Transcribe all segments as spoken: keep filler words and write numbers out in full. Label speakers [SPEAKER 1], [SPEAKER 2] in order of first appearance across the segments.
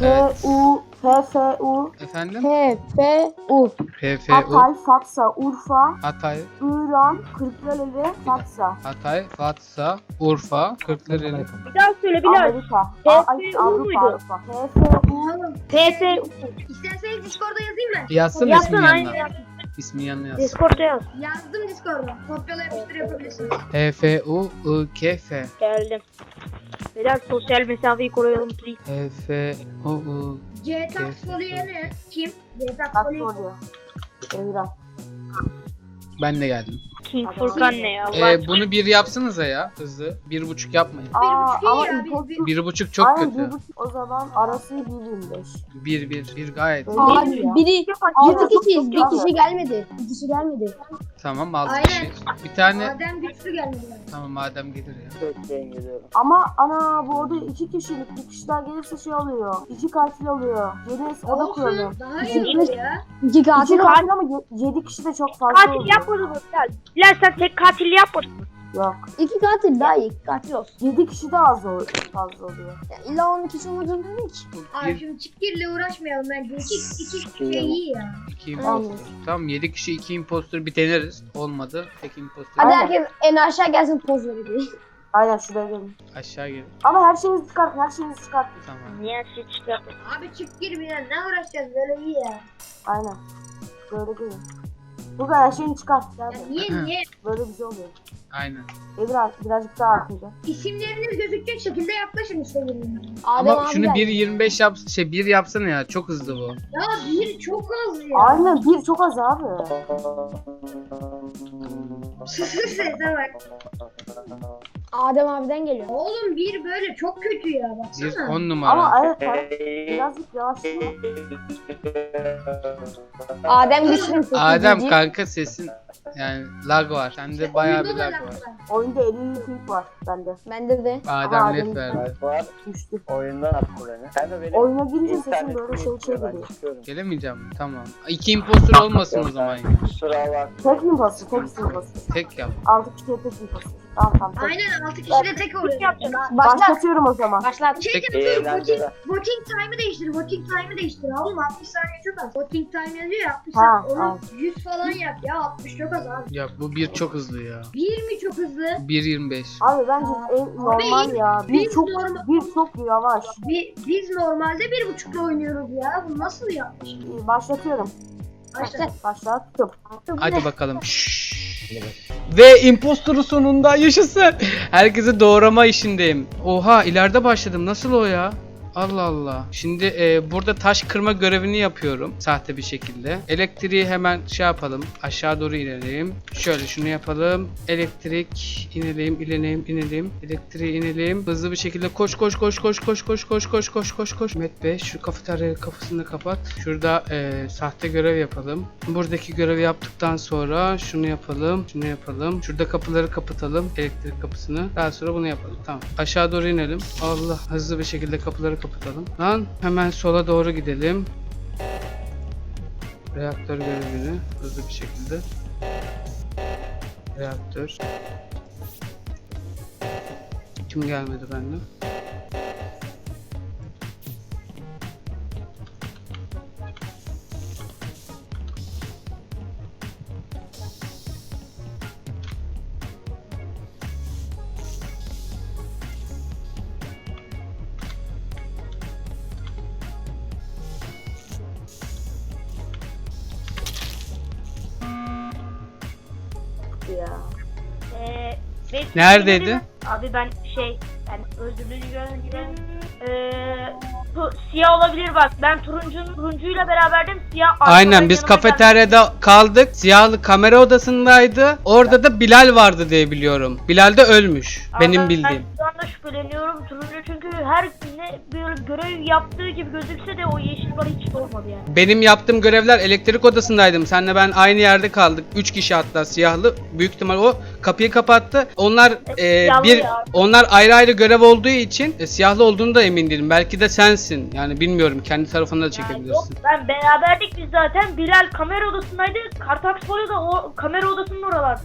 [SPEAKER 1] Evet.
[SPEAKER 2] F U F F U
[SPEAKER 1] Efendim?
[SPEAKER 3] F F U.
[SPEAKER 1] P F U.
[SPEAKER 2] Hatay, Fatsa, Urfa,
[SPEAKER 1] Hatay,
[SPEAKER 2] İran, Kırklareli, Fatsa.
[SPEAKER 1] Hatay, Fatsa, Urfa, Kırklareli.
[SPEAKER 4] Bir daha söyle Bilal.
[SPEAKER 2] Amerika.
[SPEAKER 4] F F U
[SPEAKER 2] Ay, Avrupa,
[SPEAKER 4] muydu?
[SPEAKER 2] Avrupa. F F U.
[SPEAKER 4] F F U.
[SPEAKER 5] İsterseniz Discord'a yazayım mı?
[SPEAKER 1] Yazsın
[SPEAKER 4] Yapsana
[SPEAKER 1] ismin
[SPEAKER 4] aynı
[SPEAKER 1] yanına.
[SPEAKER 4] yap.
[SPEAKER 1] İsmin yanına yaz.
[SPEAKER 4] Discord'da yaz.
[SPEAKER 5] Yazdım Discord'a. Kopyala yapıştır yapabilirsiniz.
[SPEAKER 1] P F U I K F.
[SPEAKER 4] Geldim. Bilal sosyal mesafeyi koruyalım please.
[SPEAKER 1] P F U I.
[SPEAKER 5] C Taxfolier'i kim? C
[SPEAKER 2] Kaç
[SPEAKER 5] Taxfolier.
[SPEAKER 2] oluyor? İran.
[SPEAKER 1] Ben de geldim.
[SPEAKER 4] King Furkan ne ya?
[SPEAKER 1] Ee, bunu bir yapsanıza ya hızlı. Bir buçuk yapmayın.
[SPEAKER 2] Aa,
[SPEAKER 5] buçuk iyi
[SPEAKER 2] ama
[SPEAKER 5] ya,
[SPEAKER 2] import-
[SPEAKER 5] bir-
[SPEAKER 1] Bir buçuk çok
[SPEAKER 2] Aynen,
[SPEAKER 1] kötü.
[SPEAKER 2] bir buçuk. O zaman arası bir yirmi beş.
[SPEAKER 1] Bir bir bir gayet.
[SPEAKER 2] Öyle
[SPEAKER 3] Abi
[SPEAKER 2] değil ya.
[SPEAKER 3] biri
[SPEAKER 2] Aynen,
[SPEAKER 3] altı
[SPEAKER 2] çok
[SPEAKER 3] kişiyiz.
[SPEAKER 2] çok
[SPEAKER 3] Bir
[SPEAKER 2] iyi.
[SPEAKER 3] kişi gelmedi. Bir kişi gelmedi.
[SPEAKER 1] Tamam altı
[SPEAKER 5] Aynen.
[SPEAKER 1] kişi. Bir tane.
[SPEAKER 5] Adem güçlü gelmedi.
[SPEAKER 1] Tamam madem gelir ya.
[SPEAKER 2] Ama ana bu oda iki kişilik. Bir kişiler gelirse şey oluyor. İki katil oluyor. Yeni oda kuralım.
[SPEAKER 5] Olsun. Daha iyi olur ya.
[SPEAKER 3] İki
[SPEAKER 2] İki
[SPEAKER 3] katil.
[SPEAKER 2] katil ama ye- yedi kişi de çok fazla
[SPEAKER 4] Katil
[SPEAKER 2] oluyor.
[SPEAKER 4] yapmadın mı Bilal? Bilal sen tek katil yapmadın mı?
[SPEAKER 2] Yok.
[SPEAKER 3] İki katil daha iyi. İki katil olsun.
[SPEAKER 2] Yedi kişi de az ol- fazla oluyor.
[SPEAKER 3] Ya illa on kişi olmak zorunda değil ki.
[SPEAKER 5] Abi
[SPEAKER 1] Bir,
[SPEAKER 5] şimdi çikirle uğraşmayalım bence. İki, iki kişi iyi ya.
[SPEAKER 1] iki impostor. Tamam yedi kişi iki impostor bir deneriz. Olmadı. Tek impostor.
[SPEAKER 3] Hadi
[SPEAKER 2] Aynen.
[SPEAKER 3] herkes en aşağı gelsin poz verelim.
[SPEAKER 2] Aynen şuraya gelin.
[SPEAKER 1] Aşağı gelin.
[SPEAKER 2] Ama her şeyinizi çıkartın, her şeyinizi çıkartın.
[SPEAKER 1] Tamam.
[SPEAKER 4] Niye her şey çıkarttın?
[SPEAKER 5] Abi çikir bir ne uğraşacağız böyle iyi ya.
[SPEAKER 2] Aynen. Böyle gelin. Burada her şeyini çıkart. Gel
[SPEAKER 5] Ya
[SPEAKER 2] buraya.
[SPEAKER 5] niye niye?
[SPEAKER 2] Böyle güzel oluyor.
[SPEAKER 1] Aynen.
[SPEAKER 2] E biraz, birazcık daha artınca.
[SPEAKER 5] İsimleriniz gözükecek şekilde yaklaşın işte birbirine.
[SPEAKER 3] Adem
[SPEAKER 1] Ama
[SPEAKER 3] abi
[SPEAKER 1] şunu
[SPEAKER 3] geldi.
[SPEAKER 1] bir yirmi beş yap şey bir yapsana ya. Çok hızlı bu.
[SPEAKER 5] Ya bir çok az ya.
[SPEAKER 2] Aynen bir çok az abi.
[SPEAKER 5] Sese bak.
[SPEAKER 3] Adem abiden geliyor.
[SPEAKER 5] Oğlum bir böyle çok kötü ya
[SPEAKER 1] Bir
[SPEAKER 5] baksana.
[SPEAKER 1] on numara.
[SPEAKER 2] Ama evet bak, birazcık yavaşlıyor.
[SPEAKER 3] Adem güçlü.
[SPEAKER 1] Adem kanka sesin yani lag var. Sende bayağı bir
[SPEAKER 5] Oyunda da
[SPEAKER 1] lag
[SPEAKER 5] laf
[SPEAKER 1] var.
[SPEAKER 2] Oyunda elli ping var bende.
[SPEAKER 3] Bende de.
[SPEAKER 1] Adem
[SPEAKER 2] Adem-
[SPEAKER 1] lef verdi.
[SPEAKER 6] Var.
[SPEAKER 2] Düştü.
[SPEAKER 6] Oyundan attı beni. Ben de benim
[SPEAKER 2] Oyuna girince sesin
[SPEAKER 6] internet
[SPEAKER 2] böyle şey şey
[SPEAKER 6] çekiyor, ben
[SPEAKER 2] geliyor.
[SPEAKER 6] çıkıyorum.
[SPEAKER 1] Gelemeyeceğim mi? Tamam. İki impostor olmasın o zaman ya.
[SPEAKER 6] Kusura bak.
[SPEAKER 2] Tek imposter, tek imposter.
[SPEAKER 1] Tek yap.
[SPEAKER 2] Altı kişiye tek imposter. Tamam tamam. Tek.
[SPEAKER 5] Aynen altı kişi de tek oluyor.
[SPEAKER 3] Başlat.
[SPEAKER 2] Başlatıyorum o zaman.
[SPEAKER 3] Başlat.
[SPEAKER 5] Şey
[SPEAKER 1] Tek-
[SPEAKER 5] yapıyorum, voting,
[SPEAKER 6] Eğlenceler.
[SPEAKER 5] voting time'ı değiştir, voting time'ı değiştir. Oğlum altmış saniye çok az. Voting time yazıyor ya altmış
[SPEAKER 2] Ha,
[SPEAKER 5] saniye. Onu
[SPEAKER 2] ha.
[SPEAKER 5] yüz falan yap ya altmış çok az abi.
[SPEAKER 1] Ya bu bir çok hızlı ya.
[SPEAKER 5] bir mi çok hızlı?
[SPEAKER 1] bir yirmi beş.
[SPEAKER 2] Abi bence en normal ya. Bir
[SPEAKER 5] biz
[SPEAKER 2] çok
[SPEAKER 5] normal-
[SPEAKER 2] bir çok yavaş.
[SPEAKER 5] Bi- biz normalde bir buçukla oynuyoruz ya. Bu nasıl yapmış?
[SPEAKER 2] Ee, Başlatıyorum.
[SPEAKER 5] Başla.
[SPEAKER 2] Başlattım.
[SPEAKER 1] Hadi bakalım. Şşş. Ve impostoru sonunda yaşasın. Herkese doğrama işindeyim. Oha ileride başladım. Nasıl o ya? Allah Allah. Şimdi e, burada taş kırma görevini yapıyorum. Sahte bir şekilde. Elektriği hemen şey yapalım. Aşağı doğru inelim. Şöyle şunu yapalım. Elektrik inelim, inelim, inelim. Elektriği inelim. Hızlı bir şekilde koş koş koş koş koş koş koş koş koş koş koş. Met Bey şu kafeterya kafasını kapat. Şurada e, sahte görev yapalım. Buradaki görevi yaptıktan sonra şunu yapalım. Şunu yapalım. Şurada kapıları kapatalım. Elektrik kapısını. Daha sonra bunu yapalım. Tamam. Aşağı doğru inelim. Allah. Hızlı bir şekilde kapıları kapatalım. Lan hemen sola doğru gidelim. Reaktör görevini hızlı bir şekilde. Reaktör. Kim gelmedi benden?
[SPEAKER 2] Ya.
[SPEAKER 4] Ee, ben-
[SPEAKER 1] Neredeydi?
[SPEAKER 4] Abi ben şey, ben özür diliyorum. Ee, bu siyah olabilir bak. Ben turuncunun turuncuyla beraberdim. Siyah arkadan
[SPEAKER 1] Aynen biz
[SPEAKER 4] yanıma
[SPEAKER 1] kafeteryada kaldık. Siyahlı kamera odasındaydı. Orada da Bilal vardı diye biliyorum. Bilal de ölmüş.
[SPEAKER 4] geldi.
[SPEAKER 1] Benim
[SPEAKER 4] Abi
[SPEAKER 1] bildiğim.
[SPEAKER 4] Ben şu anda şüpheleniyorum. Turuncu çünkü her ne böyle görev yaptığı gibi gözükse de o yeşil bana hiç olmadı yani.
[SPEAKER 1] Benim yaptığım görevler elektrik odasındaydım. Senle ben aynı yerde kaldık. Üç kişi hatta siyahlı. Büyük ihtimal o kapıyı kapattı. Onlar e,
[SPEAKER 4] siyahlı
[SPEAKER 1] bir
[SPEAKER 4] ya.
[SPEAKER 1] onlar ayrı ayrı görev olduğu için e, siyahlı olduğunu da emin değilim. Belki de sensin. Yani bilmiyorum. Kendi tarafına da
[SPEAKER 4] Yani yok
[SPEAKER 1] çekebilirsin.
[SPEAKER 4] ben beraberdik biz zaten. Bilal kamera odasındaydı. Kartax Folio da o kamera odasının oralardaydı.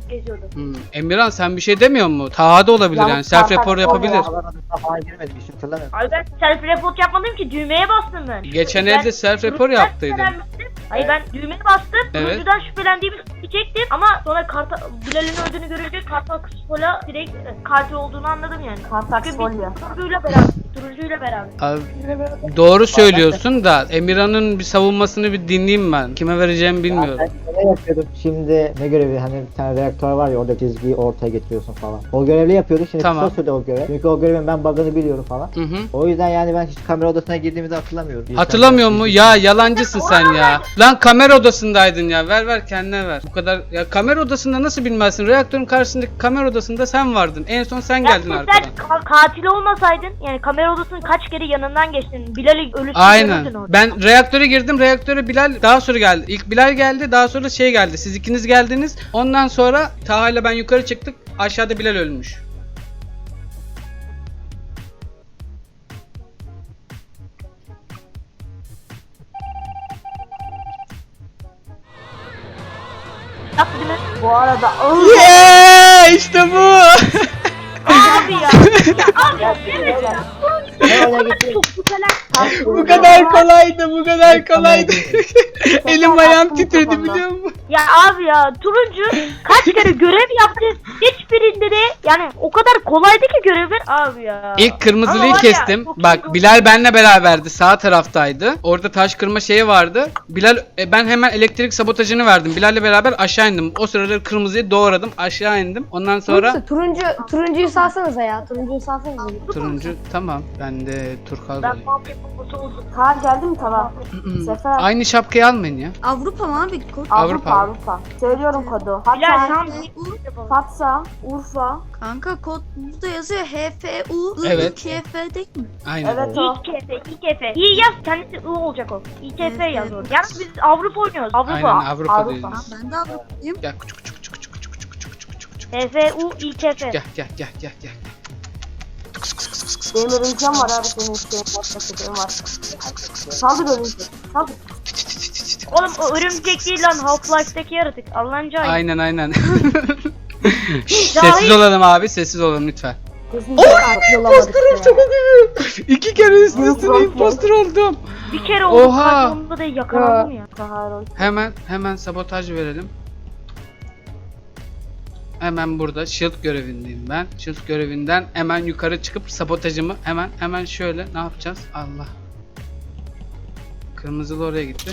[SPEAKER 4] geziyordu.
[SPEAKER 1] Hmm. Emirhan sen bir şey demiyor mu? Taha da olabilir yani.
[SPEAKER 2] Yani
[SPEAKER 1] Self
[SPEAKER 2] zaten
[SPEAKER 1] report
[SPEAKER 2] o
[SPEAKER 1] yapabilir.
[SPEAKER 2] ya.
[SPEAKER 6] Havadan falan girmedim hiç hatırlamıyorum.
[SPEAKER 4] Abi ben self report yapmadım ki, düğmeye bastım ben.
[SPEAKER 1] Geçen
[SPEAKER 4] Ben
[SPEAKER 1] elde self report
[SPEAKER 4] turuncudan
[SPEAKER 1] yaptıydın.
[SPEAKER 4] şüphelenmiştim. Hayır ben düğmeye bastım.
[SPEAKER 1] Evet.
[SPEAKER 4] Turuncudan şüphelendiğimi çektim ama sonra Kartal, Bilal'in öldüğünü görünce Kartal Kısfola direkt e, katil olduğunu anladım yani.
[SPEAKER 2] Kartal
[SPEAKER 4] Çünkü
[SPEAKER 2] Kısfolya.
[SPEAKER 4] biz turuncuyla beraber, turuncuyla beraber.
[SPEAKER 1] Abi, doğru söylüyorsun da Emirhan'ın bir savunmasını bir dinleyeyim ben. Kime vereceğimi bilmiyorum.
[SPEAKER 6] Ben ne yapıyordum? Şimdi ne görevi, hani bir tane reaktör var ya, orada çizgiyi ortaya getiriyorsun falan. O görevli yapıyorduk, şimdi
[SPEAKER 1] Tamam.
[SPEAKER 6] kısa sürdü o görev. Çünkü o görevin ben bug'ını biliyorum falan.
[SPEAKER 1] Hı hı.
[SPEAKER 6] O yüzden yani ben hiç kamera odasına girdiğimizi hatırlamıyorum.
[SPEAKER 1] Hatırlamıyor mu? Ya yalancısın sen ya. Lan kamera odasındaydın ya. Ver ver kendine ver. Bu kadar ya, kamera odasında nasıl bilmezsin? Reaktörün karşısındaki kamera odasında sen vardın. En son sen geldin
[SPEAKER 4] Ya
[SPEAKER 1] arkadan.
[SPEAKER 4] sen ka- katil olmasaydın, yani kamera odasının kaç kere yanından geçtin. Bilal'i ölüsünü
[SPEAKER 1] Aynen.
[SPEAKER 4] görürdün orada.
[SPEAKER 1] Ben reaktöre girdim. Reaktöre Bilal daha sonra geldi. İlk Bilal geldi. Daha sonra şey geldi. Siz ikiniz geldiniz. Ondan sonra Taha ile ben yukarı çıktık. Aşağıda Bilal ölmüş.
[SPEAKER 4] Yaptı değil mi?
[SPEAKER 2] Bu arada
[SPEAKER 1] Yeah! İşte bu.
[SPEAKER 4] Abi ya. Ya abi ya. Evet ya.
[SPEAKER 6] Ne öyle gitti?
[SPEAKER 4] Çok güzel.
[SPEAKER 1] Bu kadar kolaydı. Bu kadar kolaydı. Elim ayağım
[SPEAKER 2] Aklım
[SPEAKER 1] titredi
[SPEAKER 2] kafamda.
[SPEAKER 1] biliyor musun?
[SPEAKER 4] Ya abi ya, turuncu kaç kere görev yaptı. Hiçbirinde de yani o kadar kolaydı ki görevler abi ya.
[SPEAKER 1] İlk kırmızılıyı
[SPEAKER 4] Ama var ya,
[SPEAKER 1] kestim.
[SPEAKER 4] çok iyi
[SPEAKER 1] Bak
[SPEAKER 4] oldu.
[SPEAKER 1] Bilal benle beraberdi. Sağ taraftaydı. Orada taş kırma şeyi vardı. Bilal e, ben hemen elektrik sabotajını verdim. Bilal'le beraber aşağı indim. O sırada kırmızıyı doğradım. Aşağı indim. Ondan sonra
[SPEAKER 3] Neyse, turuncu turuncuyu salsanıza ya. Turuncuyu salsanıza.
[SPEAKER 1] turuncu tamam. Ben de turkuaz
[SPEAKER 4] Ben
[SPEAKER 1] olayım.
[SPEAKER 4] mafya babası oldum.
[SPEAKER 2] Kaan geldi mi tamam. Sefer.
[SPEAKER 1] Aynı şapkayı almayın ya.
[SPEAKER 7] Avrupa mı abi? Kod.
[SPEAKER 2] Avrupa
[SPEAKER 1] Avrupa.
[SPEAKER 2] Avrupa. Söylüyorum kodu.
[SPEAKER 4] Bilal
[SPEAKER 2] Hatay,
[SPEAKER 4] tamam.
[SPEAKER 2] Fatsa, Urfa.
[SPEAKER 7] Kanka kod burada yazıyor. H F U I
[SPEAKER 1] Evet.
[SPEAKER 7] K F değil mi?
[SPEAKER 1] Aynen.
[SPEAKER 2] Evet o.
[SPEAKER 4] İKF, İKF. İyi yaz, kendisi I olacak o. İKF yaz orada. Yalnız biz Avrupa oynuyoruz. Avrupa.
[SPEAKER 1] Aynen Avrupa'dayız.
[SPEAKER 2] Avrupa.
[SPEAKER 1] biz.
[SPEAKER 7] Ben de Avrupa'yım.
[SPEAKER 1] Gel küçük küçük küçük küçük küçük küçük küçük küçük küçük.
[SPEAKER 4] H F U İKF.
[SPEAKER 1] Gel gel gel gel gel.
[SPEAKER 2] Benim örümcem var abi senin isteğin var. var. Saldır örümcek. Saldır.
[SPEAKER 4] Oğlum o örümcek değil lan, Half-Life'deki yaratık. Allah'ın cahil.
[SPEAKER 1] Aynen aynen. Şşş, sessiz olalım abi, sessiz olalım lütfen.
[SPEAKER 2] Kesinlikle yapamadık ya.
[SPEAKER 1] İki kere üst üste imposter oldum.
[SPEAKER 4] Bir kere oldu.
[SPEAKER 1] Oha!
[SPEAKER 4] Onda da yakalandım ya.
[SPEAKER 2] Kahar
[SPEAKER 1] Hemen hemen sabotaj verelim. Hemen burada shield görevindeyim ben. Shield görevinden hemen yukarı çıkıp sabotajımı hemen hemen şöyle ne yapacağız? Allah. Kırmızılı oraya gitti.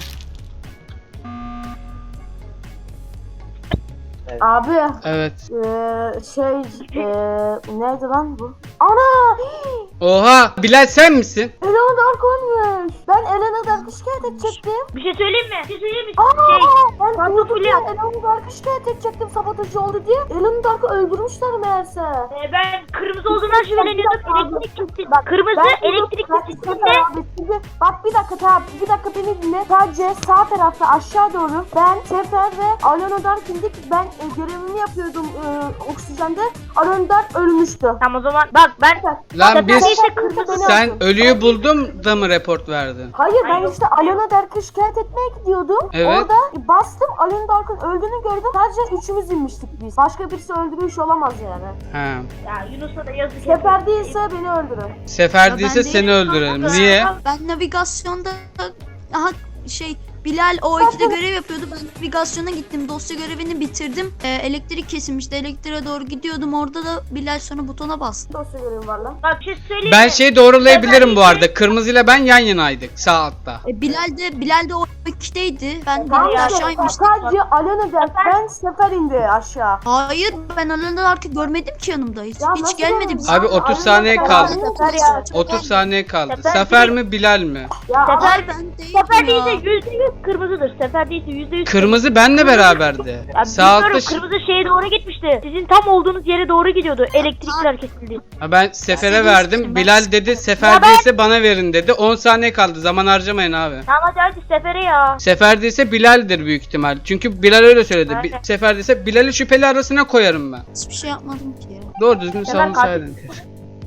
[SPEAKER 2] Abi
[SPEAKER 1] Evet.
[SPEAKER 2] eee şey eee neydi lan bu? Ana!
[SPEAKER 1] Oha! Bilal sen misin?
[SPEAKER 2] Elena Dark olmuş. Ben Elena Dark'ı şikayet edecektim.
[SPEAKER 4] Bir şey söyleyeyim mi? Bir şey söyleyeyim mi?
[SPEAKER 2] Aa!
[SPEAKER 4] Şey,
[SPEAKER 2] Ben
[SPEAKER 4] Dark
[SPEAKER 2] durdum
[SPEAKER 4] Fulya.
[SPEAKER 2] ya Elena Dark'ı şikayet edecektim sabotajı oldu diye. Elena Dark'ı öldürmüşler meğerse.
[SPEAKER 4] e, ben kırmızı olduğundan şüpheleniyordum. Elektrik kesildi. Kırmızı
[SPEAKER 2] Ben
[SPEAKER 4] elektrik
[SPEAKER 2] Bak,
[SPEAKER 4] kesildi.
[SPEAKER 2] abi, şimdi, bak bir dakika tamam bir dakika beni dinle. Sadece sağ tarafta aşağı doğru ben Sefer ve Alona Dark indik. Ben e, görevimi yapıyordum e, oksijende. Alona Dark ölmüştü.
[SPEAKER 4] Tamam o zaman bak ben
[SPEAKER 1] Lan
[SPEAKER 4] Sefer
[SPEAKER 1] biz
[SPEAKER 4] değilse kırmızı.
[SPEAKER 1] sen ölüyü buldum da mı report verdin?
[SPEAKER 2] Hayır ben
[SPEAKER 4] Hayır.
[SPEAKER 2] işte Alona Dark'ı şikayet etmeye gidiyordum.
[SPEAKER 1] Evet.
[SPEAKER 2] Orada bastım Alona Dark'ın öldüğünü gördüm. Sadece üçümüz inmiştik biz. Başka birisi öldürmüş olamaz yani.
[SPEAKER 1] Ha.
[SPEAKER 4] Ya Yunus'a da yazık.
[SPEAKER 2] Sefer değilse beni öldürün.
[SPEAKER 1] Sefer
[SPEAKER 7] Ya
[SPEAKER 1] değilse
[SPEAKER 7] ben
[SPEAKER 1] seni
[SPEAKER 7] değilim.
[SPEAKER 1] öldürelim. Niye?
[SPEAKER 7] Ben navigasyonda aha şey Bilal o ikide görev yapıyordu. Ben navigasyona gittim. Dosya görevini bitirdim. Ee, elektrik kesilmişti. Elektriğe doğru gidiyordum. Orada da Bilal sonra butona bastı.
[SPEAKER 2] Dosya görevim var lan.
[SPEAKER 4] Bak bir şey söyleyeyim
[SPEAKER 1] Ben
[SPEAKER 4] mi?
[SPEAKER 1] şeyi doğrulayabilirim bu arada. Kırmızıyla ben yan yanaydık sağ altta.
[SPEAKER 7] E, Bilal de Bilal de o ikideydi. Ben
[SPEAKER 2] Tamam
[SPEAKER 7] Bilal
[SPEAKER 4] ya,
[SPEAKER 7] aşağı
[SPEAKER 2] işte
[SPEAKER 7] inmiştim.
[SPEAKER 2] sadece Alona Dark ben Sefer indi aşağı.
[SPEAKER 7] Hayır ben Alana artık görmedim ki yanımda hiç.
[SPEAKER 2] Ya
[SPEAKER 7] Hiç
[SPEAKER 2] nasıl
[SPEAKER 7] gelmedi
[SPEAKER 2] yani?
[SPEAKER 7] bize.
[SPEAKER 1] Abi otuz
[SPEAKER 2] Alona
[SPEAKER 1] saniye
[SPEAKER 2] Dark
[SPEAKER 1] kaldı.
[SPEAKER 2] Sefer ya.
[SPEAKER 1] otuz saniye kaldı.
[SPEAKER 4] Sefer
[SPEAKER 1] Sefer
[SPEAKER 4] değil.
[SPEAKER 1] mi Bilal mi?
[SPEAKER 2] Ya
[SPEAKER 4] Sefer-
[SPEAKER 7] Hayır ben değilim
[SPEAKER 4] Sefer
[SPEAKER 7] ya.
[SPEAKER 4] değilse yüzde yüz kırmızıdır. Sefer değilse yüzde yüz.
[SPEAKER 1] Kırmızı benle beraberdi.
[SPEAKER 4] Ya
[SPEAKER 1] Sağ altta
[SPEAKER 4] bilmiyorum,
[SPEAKER 1] ş-
[SPEAKER 4] kırmızı şeye doğru gitmişti. Sizin tam olduğunuz yere doğru gidiyordu. Elektrikler kesildi.
[SPEAKER 1] Ha, ben Sefer'e
[SPEAKER 7] Seni
[SPEAKER 1] verdim.
[SPEAKER 7] istedim,
[SPEAKER 1] Bilal
[SPEAKER 7] ben-
[SPEAKER 1] dedi Sefer
[SPEAKER 4] Ya ben-
[SPEAKER 1] değilse bana verin dedi. on saniye kaldı. Zaman harcamayın abi.
[SPEAKER 4] Tamam hadi hadi Sefer'e ya.
[SPEAKER 1] Sefer değilse Bilal'dir büyük ihtimal. Çünkü Bilal öyle söyledi. Bi-
[SPEAKER 4] Aynen.
[SPEAKER 1] Sefer değilse Bilal'i şüpheli arasına koyarım ben.
[SPEAKER 7] Hiçbir şey yapmadım ki ya.
[SPEAKER 1] Doğru düzgün
[SPEAKER 4] Sefer
[SPEAKER 1] savunsaydın.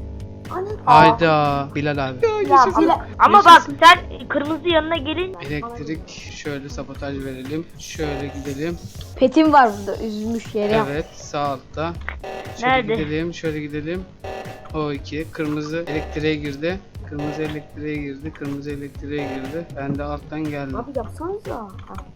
[SPEAKER 2] Hani?
[SPEAKER 1] Hayda Bilal abi.
[SPEAKER 2] Ya bile
[SPEAKER 4] Ama bak sen kırmızı yanına gelin.
[SPEAKER 1] Elektrik şöyle sabotaj verelim. Şöyle gidelim.
[SPEAKER 3] Petim var burada üzülmüş yere.
[SPEAKER 1] Evet sağ altta. Şöyle
[SPEAKER 4] Nerede?
[SPEAKER 1] gidelim şöyle gidelim. O iki kırmızı elektriğe girdi. Kırmızı elektriğe girdi. Kırmızı elektriğe girdi. Ben de alttan geldim.
[SPEAKER 2] abi yapsanıza. Ha.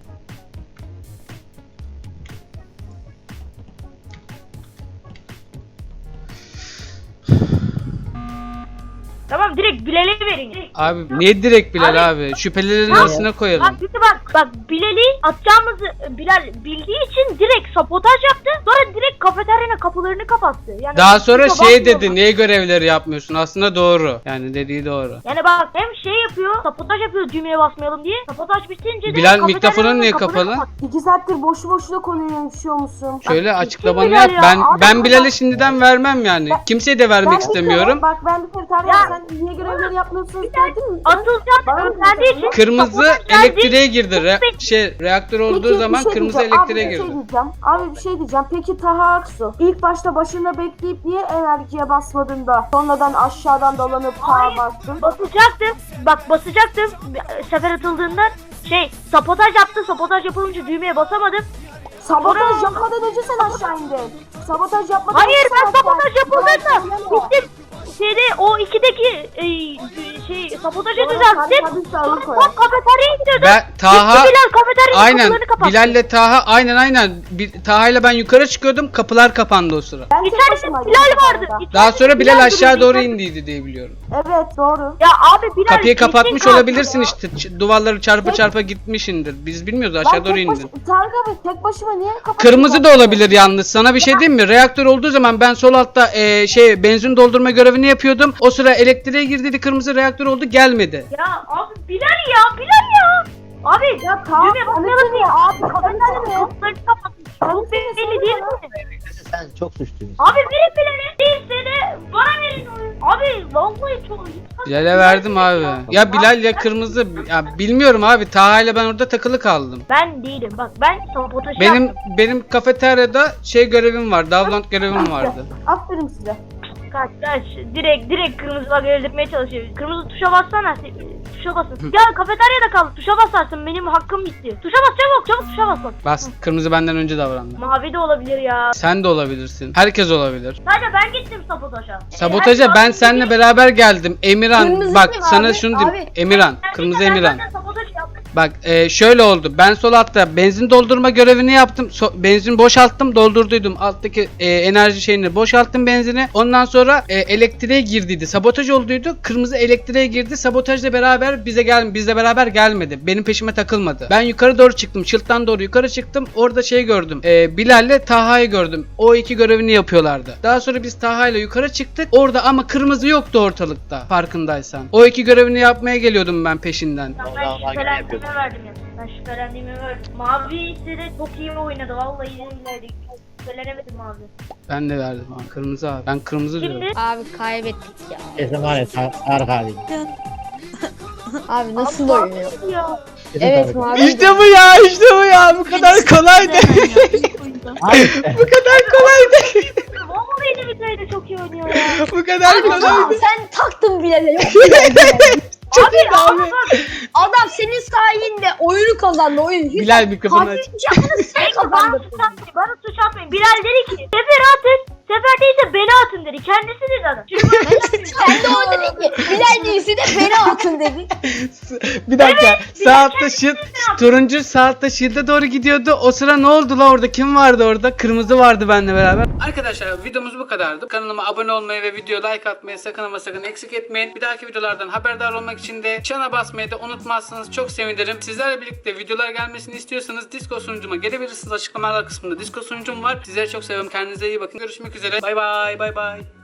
[SPEAKER 4] Tamam direkt Bilal'e verin. Direkt.
[SPEAKER 1] Abi niye direkt Bilal abi? Şüphelilerin arasına koyalım.
[SPEAKER 4] Bak bir de bak bak Bilal'i atacağımızı Bilal bildiği için direkt sabotaj yaptı. Sonra direkt kafeteryanın kapılarını kapattı. Yani
[SPEAKER 1] Daha sonra
[SPEAKER 4] kimse
[SPEAKER 1] şey
[SPEAKER 4] bakmıyor.
[SPEAKER 1] dedi, niye görevleri yapmıyorsun? Aslında doğru. Yani dediği doğru.
[SPEAKER 4] Yani bak hem şey yapıyor, sabotaj yapıyor düğmeye basmayalım diye. Sabotaj bitince de
[SPEAKER 1] Bilal
[SPEAKER 4] kafeteryanın
[SPEAKER 1] mikrofonun niye
[SPEAKER 4] kapıları
[SPEAKER 1] kapalı?
[SPEAKER 4] kapattı.
[SPEAKER 2] İki saattir boşu boşuna konuyu yaşıyor musun?
[SPEAKER 1] Şöyle
[SPEAKER 2] Bak,
[SPEAKER 1] açıklamanı
[SPEAKER 2] kim
[SPEAKER 1] yap.
[SPEAKER 2] Bilal ya?
[SPEAKER 1] Ben
[SPEAKER 2] Abi,
[SPEAKER 1] ben
[SPEAKER 2] bak-
[SPEAKER 1] Bilal'e şimdiden vermem yani. Kimseye de
[SPEAKER 2] Ben
[SPEAKER 1] vermek
[SPEAKER 2] bir
[SPEAKER 1] istemiyorum.
[SPEAKER 2] kere- Bak ben bir kere Tarık
[SPEAKER 4] Ya-
[SPEAKER 2] sen niye görevleri yapmıyorsun dedim mi?
[SPEAKER 4] Atılacağını
[SPEAKER 2] Bana mı
[SPEAKER 4] öğrendiği için
[SPEAKER 1] Kırmızı
[SPEAKER 4] sabotaj geldi.
[SPEAKER 1] elektriğe girdi. Re- şey reaktör olduğu
[SPEAKER 2] Peki, bir
[SPEAKER 1] zaman
[SPEAKER 2] şey
[SPEAKER 1] kırmızı
[SPEAKER 2] diyeceğim.
[SPEAKER 1] elektriğe
[SPEAKER 2] Abi, bir
[SPEAKER 1] girdi.
[SPEAKER 2] şey diyeceğim. Abi bir şey diyeceğim. Peki Taha Aksu ilk başta başında bekleyip niye enerjiye basmadın da sonradan aşağıdan dolanıp Taha bastın?
[SPEAKER 4] Basacaktım. Bak basacaktım. Sefer atıldığından şey sabotaj yaptı. Sabotaj yapılınca düğmeye basamadım.
[SPEAKER 2] Sabotaj yapmadan önce sen aşağı indin. Sabotaj yapmadan
[SPEAKER 4] Hayır
[SPEAKER 2] önce sen
[SPEAKER 4] ben
[SPEAKER 2] aşağı
[SPEAKER 4] sabotaj
[SPEAKER 2] indin.
[SPEAKER 4] yapıldığında
[SPEAKER 2] Yalan söyleme.
[SPEAKER 4] gittim. Şeyde o ikideki e, şey sabotajı
[SPEAKER 2] Doğru,
[SPEAKER 4] düzelttim.
[SPEAKER 2] tabii, tabii,
[SPEAKER 4] Sonra
[SPEAKER 2] sağlık
[SPEAKER 4] tam
[SPEAKER 2] koy.
[SPEAKER 4] kafeteryaya gidiyordum.
[SPEAKER 1] Ben Taha
[SPEAKER 4] Gitti Bilal kafeteryanın
[SPEAKER 1] aynen
[SPEAKER 4] kapılarını kapattı.
[SPEAKER 1] Bilal'le Taha aynen aynen. Bir, Taha'yla ben yukarı çıkıyordum. Kapılar kapandı o sıra.
[SPEAKER 2] Ben tek
[SPEAKER 4] İçeride
[SPEAKER 2] başımaydım
[SPEAKER 4] Bilal
[SPEAKER 2] bu
[SPEAKER 4] vardı.
[SPEAKER 2] arada.
[SPEAKER 1] Daha sonra Bilal aşağı doğru
[SPEAKER 4] duruyordu.
[SPEAKER 1] indiydi diye biliyorum.
[SPEAKER 2] Evet doğru.
[SPEAKER 4] Ya abi Bilal
[SPEAKER 1] Kapıyı
[SPEAKER 4] kesin
[SPEAKER 1] kapatmış
[SPEAKER 4] katil
[SPEAKER 1] olabilirsin
[SPEAKER 4] ya.
[SPEAKER 1] işte. Ç- Duvarları çarpa
[SPEAKER 2] Tek-
[SPEAKER 1] çarpa gitmişindir. Biz bilmiyoruz aşağı
[SPEAKER 2] Ben
[SPEAKER 1] doğru
[SPEAKER 2] tek baş...
[SPEAKER 1] indin.
[SPEAKER 2] Tarık abi tek başıma niye kapattın?
[SPEAKER 1] Kırmızı da olabilir yalnız. Sana bir şey diyeyim mi? Reaktör olduğu zaman ben sol altta e, şey benzin doldurma görevini yapıyordum. O sıra elektriğe girdiydi. Kırmızı reaktör oldu gelmedi.
[SPEAKER 4] Ya abi Bilal ya Bilal ya. Abi
[SPEAKER 2] Ya Kaan
[SPEAKER 4] düğmeye basmayalım
[SPEAKER 2] anlatın
[SPEAKER 4] diye.
[SPEAKER 2] ya abi
[SPEAKER 4] Kafeteryanın
[SPEAKER 2] anlatın ya.
[SPEAKER 4] kapılarını kapatmış. Çok belli değil mi?
[SPEAKER 6] Sen çok suçlusun.
[SPEAKER 4] Abi verin Bilal'e. Değilse de bana verin onu. Abi vallahi çok.
[SPEAKER 1] Bilal'e verdim abi. Ya Bilal ya kırmızı. Ya bilmiyorum abi. Taha ile ben orada takılı kaldım.
[SPEAKER 4] Ben değilim bak ben sabotajı
[SPEAKER 1] Benim
[SPEAKER 4] yaptım.
[SPEAKER 1] benim kafeteryada şey görevim var. Davlant görevim vardı.
[SPEAKER 2] Aferin size.
[SPEAKER 4] Kaç kaç direkt direkt kırmızı bak öldürmeye çalışıyor. Kırmızı tuşa bassana. Tuşa basın. Ya kafeteryada kaldı. Tuşa basarsın. Benim hakkım bitti. Tuşa bas çabuk çabuk tuşa bas bak.
[SPEAKER 1] Bas. Kırmızı benden önce davrandı.
[SPEAKER 4] Mavi de olabilir ya.
[SPEAKER 1] Sen de olabilirsin. Herkes olabilir.
[SPEAKER 4] Sadece ben gittim sabotaja.
[SPEAKER 1] Sabotaja
[SPEAKER 4] Herkes
[SPEAKER 1] ben
[SPEAKER 4] aslında
[SPEAKER 1] seninle
[SPEAKER 4] gitti.
[SPEAKER 1] beraber geldim. Emirhan
[SPEAKER 3] Kırmızı
[SPEAKER 1] bak
[SPEAKER 3] kim
[SPEAKER 1] sana
[SPEAKER 3] abi?
[SPEAKER 1] şunu diyeyim.
[SPEAKER 3] Abi.
[SPEAKER 1] Emirhan.
[SPEAKER 4] Ben
[SPEAKER 1] Kırmızı
[SPEAKER 4] gittim, ben
[SPEAKER 1] Emirhan.
[SPEAKER 4] zaten sabotaj yaptım.
[SPEAKER 1] Bak e, şöyle oldu. Ben sol altta benzin doldurma görevini yaptım. So- benzin boşalttım, doldurduydum. Alttaki e, enerji şeyini boşalttım benzini. Ondan sonra e, elektriğe girdiydi. Sabotaj olduydu. Kırmızı elektriğe girdi. Sabotajla beraber bize gel bizle beraber gelmedi. Benim peşime takılmadı. Ben yukarı doğru çıktım. Şılttan doğru yukarı çıktım. Orada şey gördüm. E, Bilal'le Taha'yı gördüm. O iki görevini yapıyorlardı. Daha sonra biz Taha'yla yukarı çıktık. Orada ama kırmızı yoktu ortalıkta. Farkındaysan. O iki görevini yapmaya geliyordum ben peşinden.
[SPEAKER 4] Ben şüphelendiğime verdim ya. Ben şüphelendiğime verdim. Mavi ise de çok iyi oynadı. Vallahi iyilerdi. Şüphelenemedim abi.
[SPEAKER 1] Ben de verdim abi. Kırmızı abi. Ben kırmızı diyorum.
[SPEAKER 4] Şimdi
[SPEAKER 3] Abi kaybettik ya.
[SPEAKER 6] Kesin var ya Tar- Tarık abi.
[SPEAKER 3] Abi nasıl oynuyor?
[SPEAKER 4] ya.
[SPEAKER 6] Kesin
[SPEAKER 3] Evet
[SPEAKER 6] Tarık.
[SPEAKER 3] mavi.
[SPEAKER 1] İşte bu ya, işte bu ya. Bu kadar kolaydı.
[SPEAKER 6] Abi,
[SPEAKER 1] Bu kadar kolaydı.
[SPEAKER 4] Vallahi de Bilal'de çok iyi oynuyor ya.
[SPEAKER 1] Bu kadar
[SPEAKER 3] Aa,
[SPEAKER 1] kolaydı.
[SPEAKER 3] sen taktın Bilal'e yok Bilal, Bilal.
[SPEAKER 1] Çok iyi abi.
[SPEAKER 3] Adam senin sayende oyunu kazandı oyunu. Hiç
[SPEAKER 1] Bilal mikrofonu aç.
[SPEAKER 3] katil yapmanı sen
[SPEAKER 4] Neyse bana
[SPEAKER 3] kazandın.
[SPEAKER 4] suç atmayın. Bana suç atmayın. Bilal dedi ki Sefer atın. Sefer değilse beni atın dedi. Kendisi dedi adam. Çünkü
[SPEAKER 3] Kendi o dedi ki Bilal değilse de beni atın dedi.
[SPEAKER 1] Bir dakika. Sağ altta şık. Turuncu sağ altta şırda doğru gidiyordu. O sıra ne oldu la orada? Kim vardı orada? Kırmızı vardı benimle beraber. Arkadaşlar videomuz bu kadardı. Kanalıma abone olmayı ve video like atmayı sakın ama sakın eksik etmeyin. Bir dahaki videolardan haberdar olmak için de çana basmayı da unutmazsanız çok sevinirim. Sizlerle birlikte videolar gelmesini istiyorsanız Discord sunucuma gelebilirsiniz. Açıklamalar kısmında Discord sunucum var. Sizleri çok seviyorum. Kendinize iyi bakın. Görüşmek üzere. Bay bay bay bay.